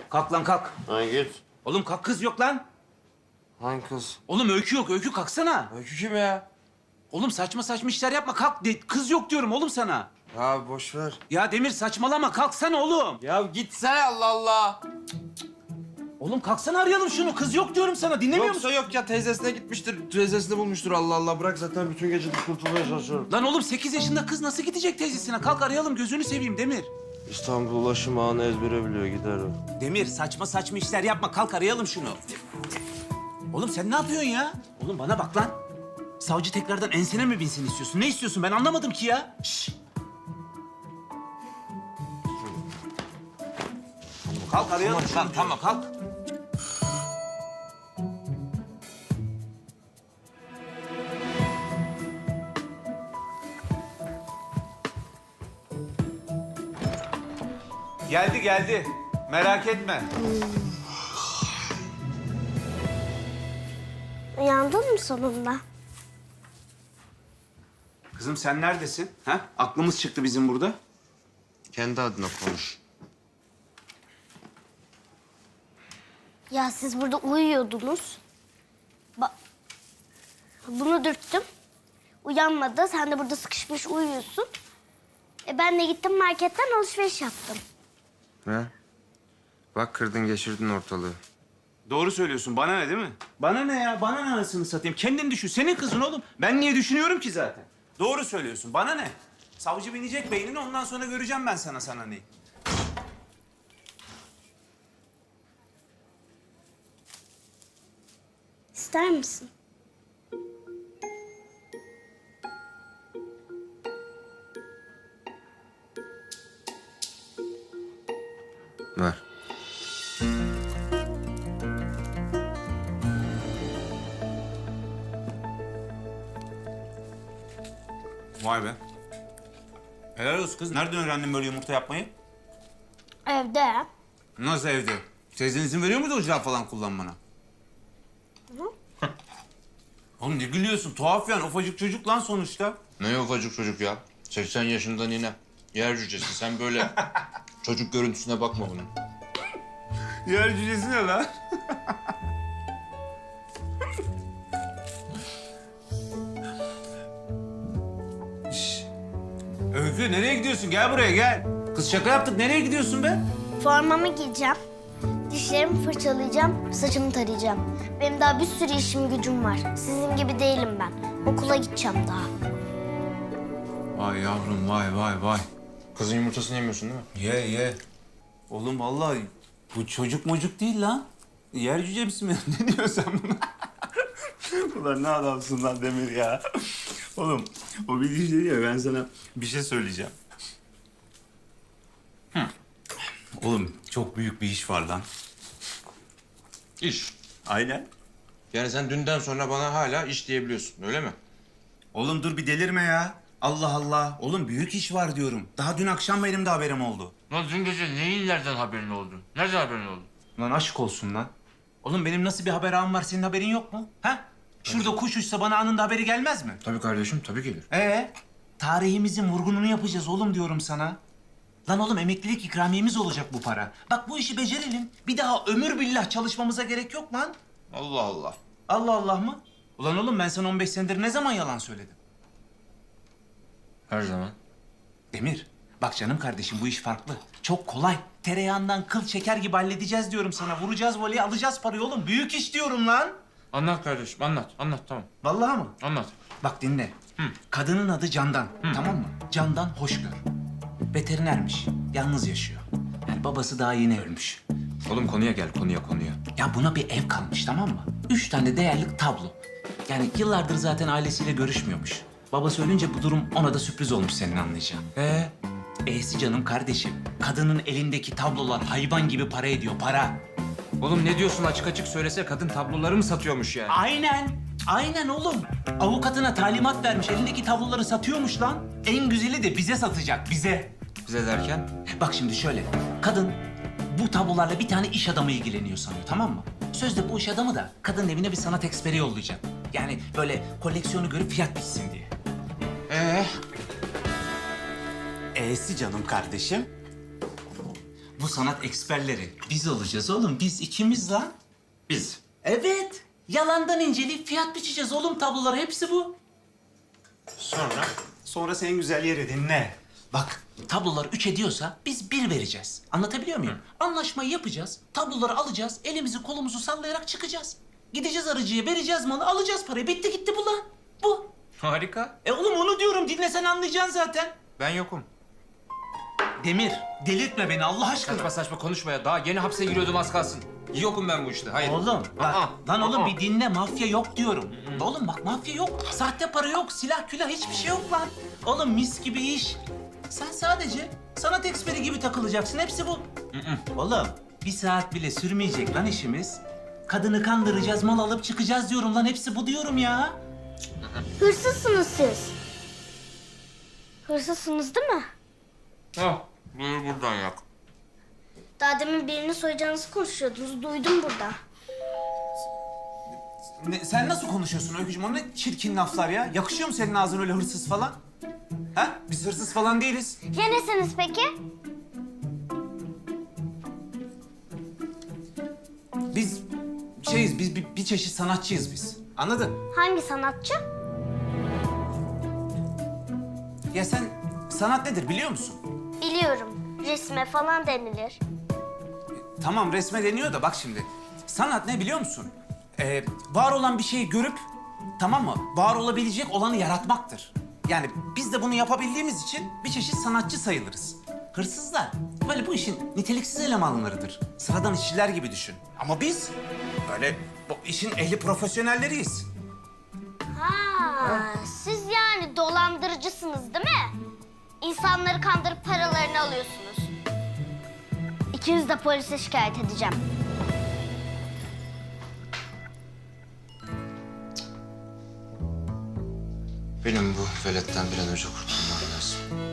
Kalk lan kalk. Lan git. Oğlum kalk, kız yok lan. Hangi kız? Oğlum Öykü yok. Öykü kalksana. Öykü kim ya? Oğlum saçma saçma işler yapma. Kalk. Kız yok diyorum oğlum sana. Ya boş ver. Ya Demir saçmalama. Kalksana oğlum. Ya gitsene Allah Allah. Oğlum kalksana, arayalım şunu. Kız yok diyorum sana. Dinlemiyor musun? Yoksa yok ya, teyzesine gitmiştir. Teyzesini bulmuştur, Allah Allah. Bırak, zaten bütün gece kurtulmaya çalışıyorum. Lan oğlum 8 yaşında kız nasıl gidecek teyzesine? Kalk arayalım, gözünü seveyim Demir. İstanbul ulaşım ağını ezbere biliyor, gider o. Demir saçma saçma işler yapma. Kalk arayalım şunu. Oğlum sen ne yapıyorsun ya? Oğlum bana bak lan. Savcı tekrardan ensene mi binsin istiyorsun? Ne istiyorsun? Ben anlamadım ki ya. Şşş. Kalk arayalım. Tamam, kalk. Geldi. Merak etme. Uyandın mı sonunda? Kızım sen neredesin? Ha? Aklımız çıktı bizim burada. Kendi adına konuş. Ya siz burada uyuyordunuz. Bunu dürttüm. Uyanmadı. Sen de burada sıkışmış uyuyorsun. Ben de gittim marketten alışveriş yaptım. Ne? Bak, kırdın geçirdin ortalığı. Doğru söylüyorsun. Bana ne değil mi? Bana ne ya? Bana ne anasını satayım? Kendin düşün. Senin kızın oğlum. Ben niye düşünüyorum ki zaten? Doğru söylüyorsun. Bana ne? Savcı binecek beynini, ondan sonra göreceğim ben sana neyi. İster misin? Ver. Vay be. Helal olsun kız. Nereden öğrendin böyle yumurta yapmayı? Evde. Nasıl evde? Teyzen izin veriyor muydu ocağı falan kullanmana? Oğlum ne gülüyorsun? Tuhaf yani. Ufacık çocuk lan sonuçta. Ne ufacık çocuk ya. 80 yaşında nine. Yer cücesi. Sen böyle çocuk görüntüsüne bakma bunun. Yer cücesi ne lan? Şş. Öykü nereye gidiyorsun? Gel buraya gel. Kız şaka yaptık. Nereye gidiyorsun be? Formamı giyeceğim. Dişlerimi fırçalayacağım. Saçımı tarayacağım. Benim daha bir sürü işim gücüm var. Sizin gibi değilim ben. Okula gideceğim daha. Vay yavrum vay. Kızın yumurtasını yemiyorsun değil mi? Ye. Oğlum vallahi bu çocuk mocuk değil lan. Yer cücesi mi? Ne diyorsun sen buna? Ulan ne adamsın lan Demir ya. Oğlum o bir diş değil ya, ben sana bir şey söyleyeceğim. Oğlum çok büyük bir iş var lan. İş. Aynen. Yani sen dünden sonra bana hala iş diyebiliyorsun, öyle mi? Oğlum dur bir delirme ya. Allah Allah. Oğlum büyük iş var diyorum. Daha dün akşam benim de haberim oldu. Lan dün gece neyin nereden haberin oldu? Nereden haberin oldu? Lan aşk olsun lan. Oğlum benim nasıl bir haber ağım var, senin haberin yok mu? Ha? Şurada kuş uçsa bana anında haberi gelmez mi? Tabii kardeşim, tabii gelir. Tarihimizin vurgununu yapacağız oğlum diyorum sana. Lan oğlum emeklilik ikramiyemiz olacak bu para. Bak bu işi becerelim. Bir daha ömür billah çalışmamıza gerek yok lan. Allah Allah. Allah Allah mı? Ulan oğlum ben sana 15 senedir ne zaman yalan söyledim? Her zaman. Demir, bak canım kardeşim bu iş farklı. Çok kolay. Tereyağından kıl çeker gibi halledeceğiz diyorum sana. Vuracağız voleyi, alacağız parayı oğlum. Büyük iş diyorum lan. Anlat kardeşim, anlat tamam. Vallahi mı? Anlat. Bak dinle. Kadının adı Candan, tamam mı? Candan Hoşgör. Veterinermiş, yalnız yaşıyor. Yani babası daha yeni ölmüş. Oğlum konuya gel, konuya. Ya buna bir ev kalmış, tamam mı? 3 tane değerli tablo. Yani yıllardır zaten ailesiyle görüşmüyormuş. Babası ölünce bu durum ona da sürpriz olmuş, senin anlayacağın. E'si canım kardeşim. Kadının elindeki tablolar hayvan gibi para ediyor, para. Oğlum ne diyorsun, açık açık söylese, kadın tabloları mı satıyormuş yani? Aynen oğlum. Avukatına talimat vermiş, elindeki tabloları satıyormuş lan. En güzeli de bize satacak, bize. Bize derken? Bak şimdi şöyle, kadın bu tablolarla bir tane iş adamı ilgileniyor sanıyor, tamam mı? Sözde bu iş adamı da kadının evine bir sanat eksperi yollayacak. Yani böyle koleksiyonu görüp fiyat bitsin diye. E'si canım kardeşim. bu sanat eksperleri biz olacağız oğlum. Biz ikimiz lan. Biz. Evet. Yalandan inceleyip fiyat biçeceğiz oğlum tablolara. Hepsi bu. Sonra? Sonra senin güzel yeri dinle. Bak tablolar 3 ediyorsa biz 1 vereceğiz. Anlatabiliyor muyum? Anlaşmayı yapacağız. Tabloları alacağız. Elimizi kolumuzu sallayarak çıkacağız. Gideceğiz arıcıya, vereceğiz malı, alacağız parayı. Bitti gitti bu lan. Bu. Harika. Oğlum onu diyorum. Dinlesen anlayacaksın zaten. Ben yokum. Demir, delirtme beni Allah aşkına. Saçma saçma konuşma ya. Daha yeni hapse giriyordum az kalsın. Yokum ben bu işte. Hayır. Oğlum bak, Aa, lan oğlum aa. bir dinle, mafya yok diyorum. Oğlum bak mafya yok, sahte para yok, silah külah hiçbir şey yok lan. Oğlum mis gibi iş. Sen sadece sanat eksperi gibi takılacaksın, hepsi bu. Oğlum bir saat bile sürmeyecek lan işimiz. Kadını kandıracağız, mal alıp çıkacağız diyorum lan, hepsi bu diyorum ya. Hırsızsınız siz. Hırsızsınız değil mi? Oh, buyur buradan yak. Daha demin birini soyacağınızı konuşuyordunuz. Duydum burada. Sen nasıl konuşuyorsun Öykücüğüm? O ne çirkin laflar ya? Yakışıyor mu senin ağzına öyle hırsız falan? Ha? Biz hırsız falan değiliz. Ya nesiniz peki? Biz biz bir çeşit sanatçıyız biz. Anladın? Hangi sanatçı? Ya sen sanat nedir biliyor musun? Biliyorum. Resme falan denilir. Tamam resme deniyor da bak şimdi. Sanat ne biliyor musun? Var olan bir şeyi görüp, tamam mı? Var olabilecek olanı yaratmaktır. Yani biz de bunu yapabildiğimiz için bir çeşit sanatçı sayılırız. Hırsızlar böyle bu işin niteliksiz elemanlarıdır. Sıradan işçiler gibi düşün. Ama biz böyle bu işin ehli profesyonelleriyiz. Ha, siz yani dolandırıcısınız değil mi? İnsanları kandırıp paralarını alıyorsunuz. İkiniz de polise şikayet edeceğim. Benim bu veletten bir an önce kurtulmam lazım.